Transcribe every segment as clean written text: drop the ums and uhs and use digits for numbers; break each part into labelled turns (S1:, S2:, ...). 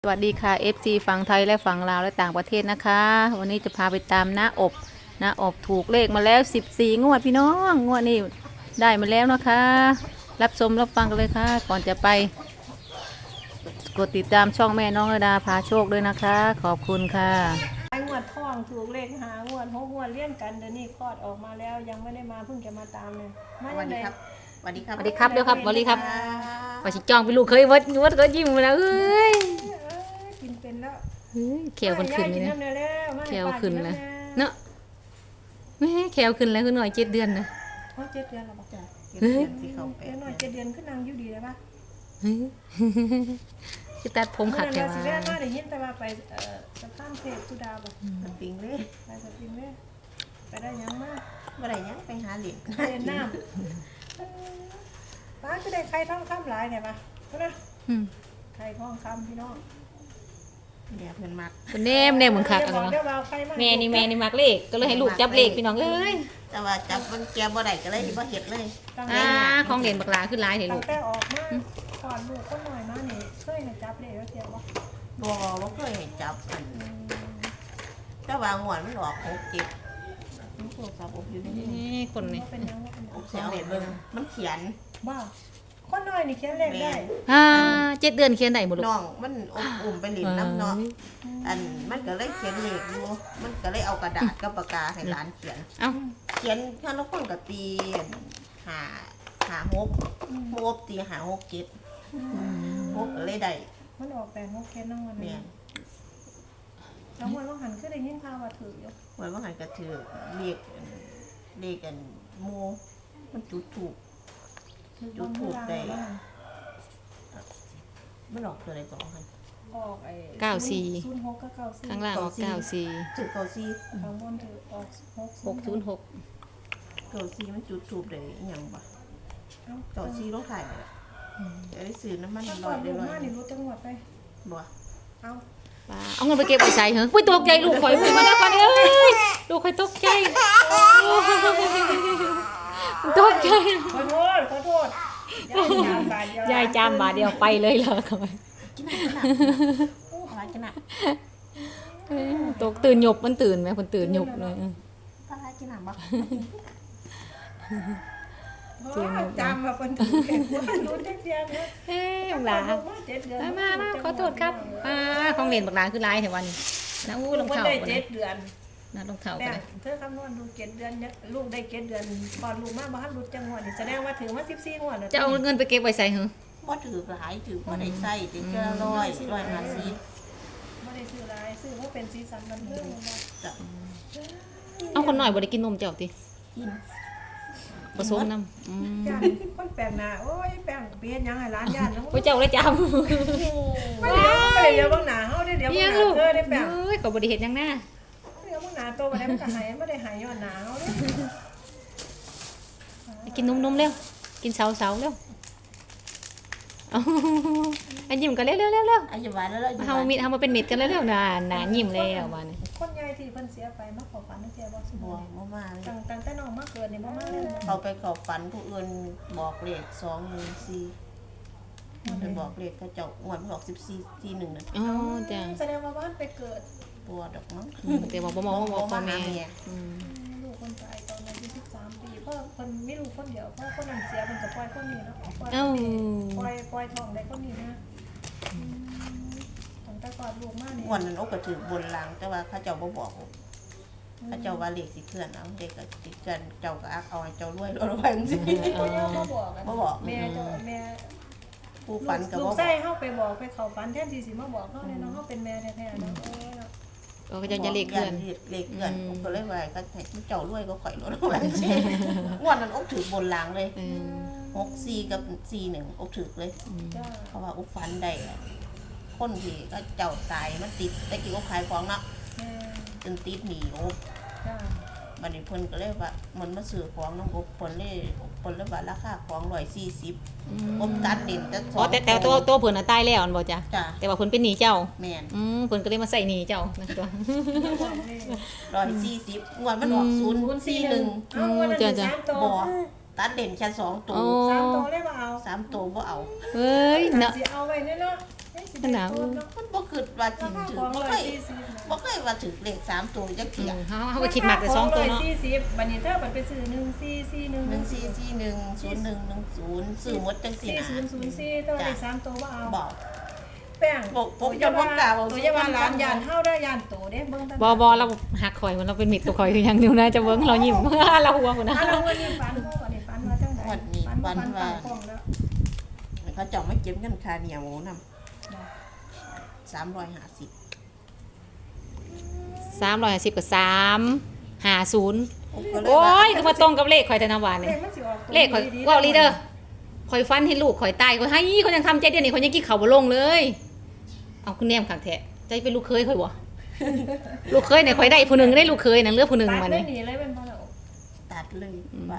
S1: สวัสดีค่ะ FC ฝั่งไทยและฝั่งลาวและต่างประเทศนะคะวันนี้จะพาไปตามน้าอบถูกเลขมาแล้ว14งวดพี่น้องงวดนี้ได้มาแล้วนะคะรับชมรับฟังกันเลยค่ะก่อนจะไปกดติดตามช่องแม่น้องระดาพาโชคด้วยนะคะขอบคุณค่ะ
S2: งวดทองถูกเลข5 งวด6 งวดเลี่ยงกันเดี๋ยวนี้คลอดออกมาแล้วยังไม่ได้มาเพิ่งจะมาตามเลยมา
S3: สวั
S2: จั
S3: ส
S2: ง
S3: ดี
S2: ได๋
S3: ครับสวัสดีครับ
S1: สวัสดีครับเดี๋ยวครับสวัสดีครับ
S3: ครั
S1: ว่าชิจ้องไปลูกเคยวัดก็ยิ้มมาแล้วเอ้ย
S2: กินเป็นแล้ว
S1: เขียวขึ้นเลยนะ
S2: มา
S1: เขียว
S2: ให้ป้า
S1: ขึ้น
S2: กิ
S1: เลย
S2: ำ
S1: เนาะแม่แขวขึ้นแล้วคือหน่อย7 เดือนนะ
S2: เขา7 เดือนแล้วบ่
S3: จ้ะเก็บเงินที่เขาแป
S2: เดี๋ยวหน่อย7 เดือนขึ้นนางอยู่ดีเลยป่ะ
S1: คือตัดผมขัด
S2: เมื่
S1: แต่
S2: อนั้นสิ
S1: ว่า
S2: แม่มาได้ยินแต่ว่าไปสะพานเทพสุดาบ่
S3: มันปิงเลย
S2: ไปสะพินเด้ไปได้ยังมา
S3: เมื่อไหร่ยังไปหาเหรียญ
S2: เรียนน้ำป้าก็ได้ไข่ทองคำหลายเนี่ยป่ะนะ
S1: อืม
S2: ไข่ทองคำพี่น้อง
S3: เดี๋ยวเงินมัก
S1: แนมเหมือนขัด
S2: เดี๋
S1: อะ
S2: ยว
S1: ไร
S2: บอกเดี๋ยว
S1: เนาะ
S2: เอาไข่มา
S1: แม่นี่มักเลขก็เลยให้ลูกจับเลขพี่น้องเอ้ย
S3: แต่ว่าจับมันแกบ่ได้ก็เลยบ่เฮ็ดเลย
S2: ตั้ง
S1: อ่า
S2: แต่
S1: ของเด่นบักหลาขึ้นหลายเห็น
S2: ตั้
S1: ลู
S2: ง
S1: ก
S2: แต่ออกมาก่อนลูกคนหน่อยมานี่เคยให้จับเลยแล้วเทียบว่า
S3: บ่เคยให้จับอันแต่ว่างวดมันออก6 7มันโทรศัพท์อบอยู่นี่
S1: นี่คนนี่
S2: เป็นยังว่าเป็นยัง
S3: อบเสียงเด็ดเบิ่งมันเขียน
S2: บ้าคนหน่อยนี่เขียนเลขได้
S1: 7 เดือนเขียนได้หมดลูก
S3: น้องมันอุ้มไปเล่นน้ำเนาะอันมันก็เลยเขียนเลขอยู่มันก็เลยเอากระดาษกับปากกาให้หลานเขียน
S1: เอ้า
S3: เขียนถ้าเราคนกับตีหกโมบตี6 7 6ก็เลยได้
S2: มันออกแต่งกเขียนน้องวัน
S3: แม่
S2: นี้
S3: น
S2: แล้ววันว่าหันขึ้นได้ยินข่าวว่าถืออยู่
S3: ไว้ว่าหันกระถือเลขกันโมมันจุดถูก
S2: ถือบนเวลาบ้าง
S3: มันออกตัวอะไรก่อนกัน
S2: ออกไอ้ 06กับ94
S1: ข้างล่างออก94
S3: ถือเกาซี
S2: ข้างบนถือออก
S1: 606
S3: เกาซีมันจุดถูกเลยอหย่างบ่เกาซีต้องถ่ายเลยจะได้ซื้อน้ำมัน
S2: ถ้า
S3: ล
S2: ก่อ
S3: อน ยได้
S2: ลูก
S3: ลอย
S2: มานี่รู้จังหวัดไป
S3: บ่
S2: เอา
S1: เอาเงินไปเก็บไว้ใส่เหรอปุ้ยตกใจลูกข่อยมาแล้วก่อนเอ้ยลูกข่อยตกใจตกใจ
S2: ขอโทษ
S1: ยายจามบาทเดียวไปเลยเหรอข่อย
S3: กินหนักอะไรกินหนัก
S1: ตกตื่นหยบมันตื่นไหมคนตื่นหยบเลย
S3: อะไรกินหนักบ่
S2: จำมาเป็นถือเก่งว่ารู้จักเดียวเนี่ย
S1: เอ้ยบักหลามาขอโทษครับของเล่นบักหลาคือลายแถววันนี้นะอู้ลง
S2: มัน
S1: เท้า
S2: ได้
S1: กัน
S2: 7 เดือน
S1: นะลงเท้า
S2: แต่
S1: กัน
S2: เธอคำนวณดู7 เดือนเนี่ยลูกได้7 เดือนก่อนลูกมาบ้านรู้จังหวัดนี่แสดงว่าถือว่า14 งวด
S1: จะเอาเงินไปเก็บไว้ใส่เหรอ
S3: บ่ถือหลายถือบ่ได้ใส่ถือแค่150
S2: ไม่ได้ซื้ออะไรซื้อเพราะเป็นสีสันบันเทิงนะ
S3: จ้ะ
S1: เอาคนหน่อยบ่ได้กินนมเจ้าติ
S3: กิน
S1: ผสมน้ำ
S2: ย่านคนแปลกหน้าโอ้ยแปลงเปลี่ยนยังไงร้านย่านแล้ว
S1: โอ้ยเจ้าเลยจ
S2: ไม่เดี๋ยวบางหน้าเฮาได้เดี๋ยว
S1: ำ
S2: บางห
S1: ลู
S2: น้าก เธอได้แปลง
S1: เอ้ยก็บ่ได้เฮ็ดหยังนะ
S2: เดี๋ยวบางหน้าโตมาได้มันก็หายไม่ได้หายย้อนหนาเฮาเด้
S1: กินนมเร็วกินเสาเร็วเอาอันยิ้มกันเร็ว
S3: อายุวันแล้วเราอยู่
S1: เฮามีเฮามาเป็นเม็ดกันเร็วๆน่ะหน้ายิ้มแล้วว่านี่
S2: คนใหญ่ที่เพิ่นเสียไปมาขอฝันเสียบ่สม
S3: บ่
S2: บูรณ์
S3: บ่มาเลย
S2: ตั้งแต่น้องมาเกิดนี่บ่มาเลย
S3: เขาไปขอฝันผู้อื่นบอกเลข214ไปบอกเลขเขาเจ้างวดมันออก14 41นั่น
S1: อ๋อจ้ะ
S2: แสดงว่าบ้านไปเกิด
S3: บัวดอกมั้ง
S1: แต่ว่าบ่มองว่าพ่อแม่
S2: ลูกคนตายตอนอายุ13 ปีเพราะคนไม่รู้คนเดียวเพราะคนนั้นเสียมันจะปล่อยคนนี้เนาะปล่อย
S1: เอ้า
S2: ปล่อยทองได้คนนี้นะตั้งแต่ก่อนลูกมาเนี่ย
S3: งวดนั้นอกก็ถือบนลางแต่ว่าเขาเจ้าบ่บอกเขาเจ้าว่าเลขสิเคลื่อนเอาเด็กก็สิเคลื่อนเจ้าก็อักเอาให้เจ้ารวยรวยไปจังซี่
S2: คนเดียวมาบอก
S3: บ่บอก
S2: แม่เจ้าแม่
S3: ผู้ฝันก็
S2: ลู
S3: บ่
S2: ก
S3: บอ
S2: ไส้
S3: ก
S2: เฮาไปบอกไปเข้าฝันแทนที่สิมาบอกเฮาเนี่ยเนาะเฮาเป็นแม่แท้ๆเนาะ
S1: ก็จะเลขเคลื่อน
S3: เลขเคลื่อนผมก็เลยว่าก็ให้เจ้ารวยก็ข่อยรวยว่าจังซี่งวดนั้นอกถือบนลางเลย64กับ41อกถือเลย
S2: จ้า
S3: เพราะว่าอุกฟันได้อะคนที่ก็เจ้าตายมันติดแต่กี้ก็ขายของเนาะ
S2: แม่
S3: จนติดหนีอุก
S2: จ้า
S3: บัดนี้เพิ่นก็เลยว่ามันมาซื้อของน้องอุกเพิ่นเลยว่าราคาของ140ผมตัดเด่นแต่ส
S1: อ๋อแต่ตัวเพิ่นน่ะตายแล้วอันบ่จ้ะ
S3: จ้ะ
S1: แต่ว่าเพิ่นเป็นหนี้เจ้า
S3: แม่น
S1: เพิ่นก็เลยมาใส่หนี้เจ้านะตัว
S3: 140งวดมันออก041
S2: เอาวันนั้น3ตัว
S3: บ่ตัดเด่นแค่2ตัว
S1: โอ้
S2: 3ตัวเลยบ่เอา
S3: 3ตัวบ่เอา
S1: เฮ้ย
S2: น่ะ
S1: เนาะ
S2: สิเอาไว้เนาะเฮ้ยสิ
S1: มันหนาว
S3: มันบ่คิดว่าสิถือ
S2: ของ
S3: บ่
S2: ร้อ
S3: เค
S2: ย
S3: ย
S2: สี่สิบนะ
S3: บ่เคยว่าถือเลข3ตัวจักเที่ย
S1: เขาไปคิดมากแต่2ตัวเนาะ
S2: ร้อยสี่สิบบัดนี้เธอบัดไปซื้อ1441
S3: 1441 0110ซื้อหมดจังซี่นะ
S2: 4004ตัวเลข3ตัวบ่เอา
S3: บอก
S2: แป้ง
S3: ผมจะบ่กล้าเอา
S2: ตัวอยาว่าร้านยานเฮาได้ยานโตเด้เบิ่ง
S1: บเราหักข่อยมันเราเป็นมิดกับข่อยคือยังอยู่นะจะเบิ้งเรายิ้ม เราหัวคนนะ
S2: ถ้าเราวันนี้ฝันบ่วันนี้ฝันว่าจังได๋
S3: วันนี้
S2: ฝั
S3: วัน
S2: น
S3: ว่า
S2: กล้องแล้ว
S3: เขาเจ้ามาเก็บเงินค่าเหนียวหมูนำ350
S1: 350กับ350
S3: ผมก็เลย
S1: โอ้
S3: ว่าย
S1: ก็มาตรงกับเลขข่อยธนาวา
S2: เล
S1: นี่
S2: ขมันสิออกตัว
S1: เลขข่อย
S2: ดีๆ
S1: ว่าลีเดอร์ข่อยฟันให้ลูกข่อยตายข่อยให้เขายังทำใจเดียวนี่ข่อยยังกินข้าวบ่ลงเลย เอาคุณแนมขังแท้ใจเป็นลูกเคยข่อยบ่ ลูกเคยเนี่ยข่อยได้ผู้หนึงได้ลูกเคยนั่นเหลือผู้หนึง
S2: ตัด
S1: มา
S2: ได้
S1: นี่
S2: หนีเลยเป็นบ่ล่ะ
S3: ตัดเลยว่า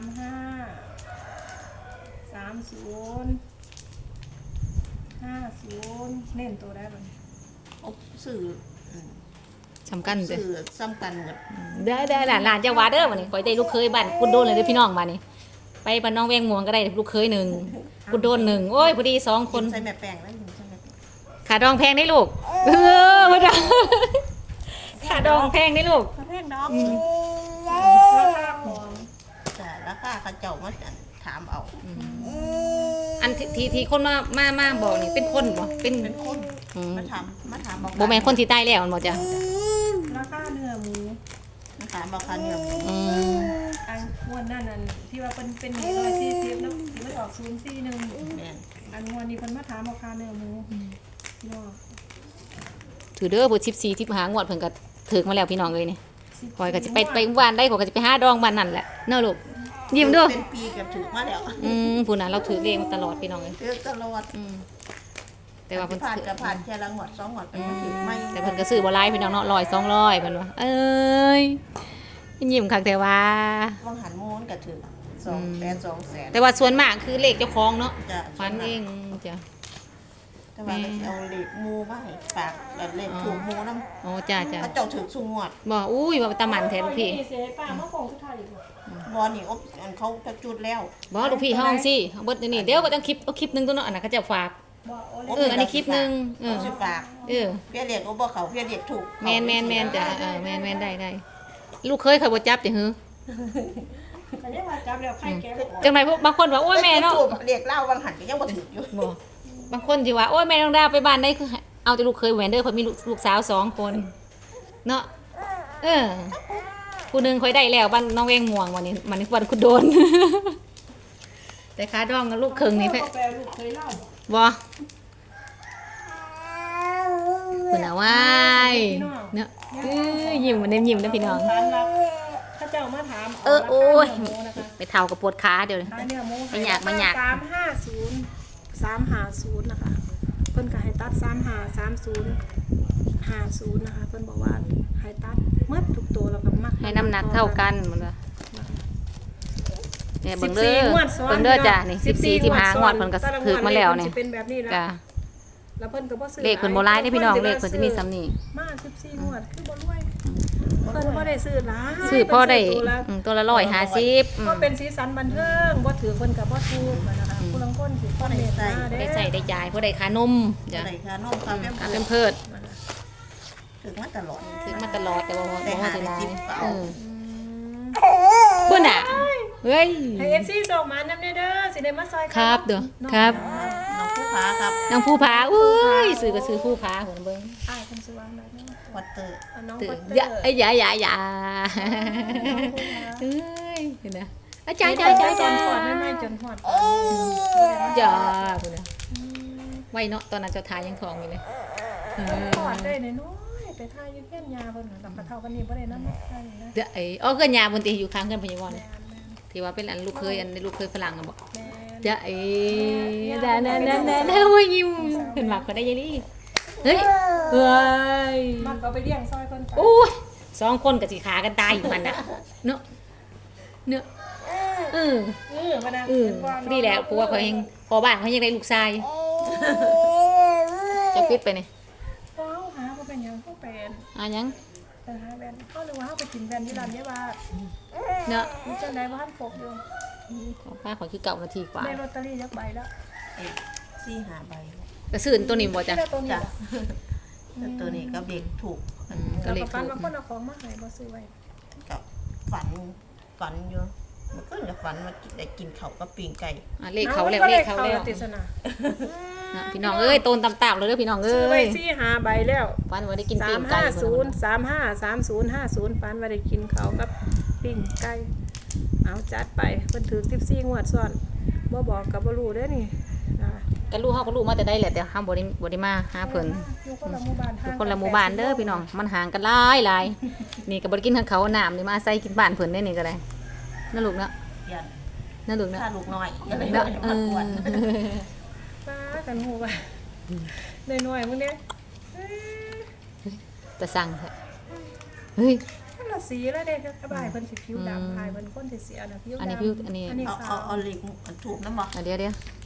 S2: 35 30 50เน้นตัวได้บ่
S3: เอาซื้อ
S1: สำคัญเด้อ
S3: ซื้อซ้ำกันหมด
S1: ได้หลานจะว่าเด้อมานี่ข่อยได้ลูกเคยบ้านกุดโดนเลยเด้อพี่น้องมานี่ไปบ้านน้องแวงม่วงก็ได้ลูกเคยหนึ่งกุดโดนหนึ่งโอ้ยพอดี2 คน
S3: ใส่แม่แป้งแล้วใส่แม่แป้ง
S1: ขาดองแพงได้ลูกบ่ได้ขาดองแพงได้ลูก
S3: แป้งดอก
S2: ราคาของ
S3: แต่ราคาเขาเจ้ามาถามเอา
S1: อันที่คนมาบอกนี่เป็นคนบ่เป็น
S3: เป็นคน
S1: อืม
S3: มาถามบอก
S1: บ่แม่นคนที่ตายแล้วมันบ่จ้ะ
S2: ราคาเนื้อหมู
S3: มาถามบอกคันเนี่ย
S1: อืม
S2: อันงวดนั่นที่ว่าเป็น140เนาะที่มันออก041
S3: แม่น
S2: อันงวดนี้เพิ่นมาถามราคาเนื้อหมูเนาะ
S1: ถือเด้อเพิ่น14 15งวดเพิ่นก็ถึกมาแล้วพี่น้องเอ้ยนี่ข่อยก็สิไปบ้านได้ข่อยก็สิไปหาดองบ้านนั่นแหละเนาะลูกยิ้มเด้อ
S3: เป็นปีกับถือมาแล้ว
S1: ผู้นั้นเราถือเลขมาตลอดพี่น้องเอ้ย
S3: ถือตลอด
S1: แต่ว่าเพิ่น
S3: ผ่าน
S1: ถือ
S3: กับผ่านแค่ละงวด2งวดไปก็ถือไม่
S1: แต่เพิ่นก็ซื้อบ่หลายพี่น้องเนาะ100 200เพิ่นว่าเอ้ยยิ้มคักแต่ว่า
S3: วังหันมูนกับถือ2 แสน
S1: แต่ว่าส่วนมากคือเลขเจ้าของเนาะ
S3: จะ
S1: ฟันเองจ้ะ
S3: แต่ว่าก็สิเอาเลขมูมาให้ฝากแบบเลขถูกมูนำ
S1: โอ้จ้า
S3: เขาเจ้าถือสูงงวด
S1: บอกอุ้ยว่าตาหมันแท้ลูกพี่
S2: เสียป้ามาโป่งสุดท้ายอีกบ่
S3: บ่นี่อบอันเขาจะจุดแล้ว
S1: บอกลูกพี่ห้องสิเบิดนี่เดี๋ยวก็ต้องคลิปเอาคลิปหนึงตัวเนาะอันนั้นเขาจะฝาก
S2: บ่โอ
S1: อันนี้คลิปหนึง
S3: สิฝาก
S1: เออ
S3: เพียเรียกก็บ่เขาเพียเรียกถูก
S1: แมนจ้ะแมนได้ลูกเคยเขาบ่จับจ้ะหือ
S2: แต่ยังว่าจับแล้วไข่แก้ว
S1: จังไดพวกบางคนว่าโอ้ยแม่เนาะ
S3: เรียกเล่าวังหันก็ยังบ่ถืออยู่
S1: บอกบางคนสิว่าโอ้ยแม่น้องดาวไปบ้านได้คือเอาแต่ลูกเคยแหวนเด้อเพิ่นมีลูกสาว2 คนเนาะผู้หนึงค่อยได้แล้วบ้านน้องแวงม่วงวันนี้มันนี่วันคุณโดน แต่ขาดองกับลูกเคิงนี่เพ่
S2: แปลลูกเคยเล่า
S1: บ่คุณน่ะว้ายเนาะยิ้มมันยิ้มนะพี่น้อง
S2: ร้านรักถ้าเจ้ามาถาม
S1: โอ้ย
S2: ราคาเนื้อหมูนะคะ
S1: ไปเท่ากับปวดขาเดี๋ยวนี้
S2: ขายเนื้อหมู
S1: ไม่อยาก
S2: 350นะคะเพิ่นก็ให้ตัด353050นะคะเพิ่นบอกว่าให้ตัดหมดทุกตัวแล้วก็มัก
S1: ให้น้ำหนักเท่ากันหมดเลยเนี่ยเบิ่งเด้อ
S2: 14งวดซ้อน
S1: เบิ่งเด้อจ้ะนี่14 15งวดเพิ่นก็
S2: แต่ละ
S1: ถึกมาแล้วเนี่ย
S2: สิเป็นแบบนี้แล้ว
S1: จ้ะ
S2: แล้วเพิ่นก็บ่ซื้อ
S1: เลขเพิ่นบ่หลายเด้อพี่น้องเลขเพิ่นจะมีซ้ำนี่
S2: มา14งวดคือบ่รวยเพิ่นบ่ได้ซื้อหลาย
S1: ซื้อพอได้
S2: เพิ่นซื้อตัวละ
S1: ตัวละ150
S2: ก็เป็นสีสันบันเทิงบ่ถือเพิ่นก็บ่ถูกนะคะผู้ลางคนสิบ่ได้ใส่
S1: ได้ใส่ได้จ่ายพอได้ค่านมจ้ะ
S3: อะไรคะน้องเขาแม่
S1: ค่าเป็นเพิด
S3: ถึงมาตลอด
S1: ถึงมาตลอดแต่ว่าบ่
S3: ได้
S1: ว่า
S3: หา
S1: สิ
S3: ได้
S1: หลาย
S3: จิบเปล่า
S1: เพิ่นน่ะเฮ้ย
S2: ให้ FC ส่งมานำเด้อสิได้มาซอยกัน
S1: ครับเด้อครับ
S3: น้องผู้ค้าครับ
S1: นางผู้ผาอุ้ยซื้อก็ซื้อผู้ผาหัวเบิ่ง
S2: อ้ายเพิ่นสิวางได้เนาะ
S3: วัตเตอร์
S2: น้อง
S1: ตื่
S2: ปั
S1: น
S2: ตเตอ
S1: อย่า
S2: ร์
S1: เอ้ยอย่าเอ้ยเห็นนะอาจารย์จ้า
S2: จนหอดไม่จนหอด
S1: อย่าพุ่นน่ะไว้เนาะตอนนั้นเจ้าทายยังทองอยู่เลยเออ
S2: หอดได้น้อยไปทายอยู่เฮียนยาเพิ่นน่ะกับเฒ่ากันนี่บ่ได้นำได้นะ
S1: เดี๋ยวไอ้อ๋อเกินยาบนตีอยู่ข้างเกินพยาบาลที่ว่าเป็นอันลูกเคยอันลูกเคยฝรั่งอะบอก
S2: แม่
S1: เดี๋ยวไอ้นั่นโอ้ยยิ้มเห็นหมักก็ได้ยังนี่เฮ้ยเฮ้ย
S2: มันก็ไปเลี้ยงซอยเพิ่นไป
S1: โอ้ย2 คนกับสีขากันตายอยู่มันน่ะเนาะเนาะ
S2: บ่นะ
S1: นี่แหละเพราะว่าเขาเองพอบ้านเขายังได้ลูกชายจะปิดไปนี่
S2: เฮาหาบ่เป็นหยังเฮาเป็น
S1: ยัง
S2: หาแว่นเฮานึกว่าเฮาไปกินแว่นที่ร้านนี้ว่า
S1: เนาะ
S2: มีจังได๋บ่ทันครบอยู่
S1: ของป้าขอคือเก่านาทีกว่า
S2: ได้ลอตเตอรี่จักใบแล้ว
S3: 4-5 ใบ
S1: กระสืนตัวนี้บ่จ้ะ
S2: ที่ได้ตัวนี้
S3: จ้ะ
S2: บ่
S3: ตัวนี้ก็เบรกถูก
S1: ก็
S2: แล้ว
S1: เลข
S2: ก็ฟัน
S1: ถูก
S2: บางคนเอาของมาให้บ่ซื้อไว้
S3: กับฝันอยู่มันก็กับฝันว่าได้กินเขาวกับปิ้งไก่
S1: เลขเขาแล้วเลขเขาแล้ว
S2: ติดสนะ
S1: นะพี่น้องเอ้ยโตนต่ำๆเลยเด้อพี่น้องเอ้
S2: ซื้อไว้
S1: ย
S2: 4-5ใบแล้ว
S1: ฟันว่าได้กินปิ้งไก่
S2: 350 ฟันว่าได้กินเขาวกับปิ้งไก่เอาจัดไปเพิ่นถือ14งวดซ้อนบ่บอกก็บ่รู้เด้อนี่นะ
S1: ก็รู้เฮาก็รู้มาแต่ได้แหละแต่เฮาบ่ได้มาหาเพิ่น
S2: อยู่คนละหมู่บ้าน
S1: อยู่คนละหมู่บ้านเด้อพี่น้องมันห่างกันหลายนี่ก็บ่ได้กินทั้งเขาวน้ำนี่มาใส่กินบ้านเพิ่นได้นี่ก็ได้นั่นลูกเนาะ
S3: ยัน
S1: นั่นลูกเนาะ
S3: ถ้าลูกน้อยอะไร
S1: เนาะ
S3: มากวน
S2: ป้ากันหูว่าน้อยๆมื้อนี้
S1: แต่สั่งแท้เฮ้ย
S2: คนละสีแล้วเด้กระบายเพิ่นสิผิวดำพายเพิ่นคนสิเสียนะผิวดำ
S1: อันนี้ผิวอันนี้
S2: อันนี้
S3: เอา
S2: ขาว
S3: เอาเหล็กถูกน้ำบ่
S1: เดี๋ยว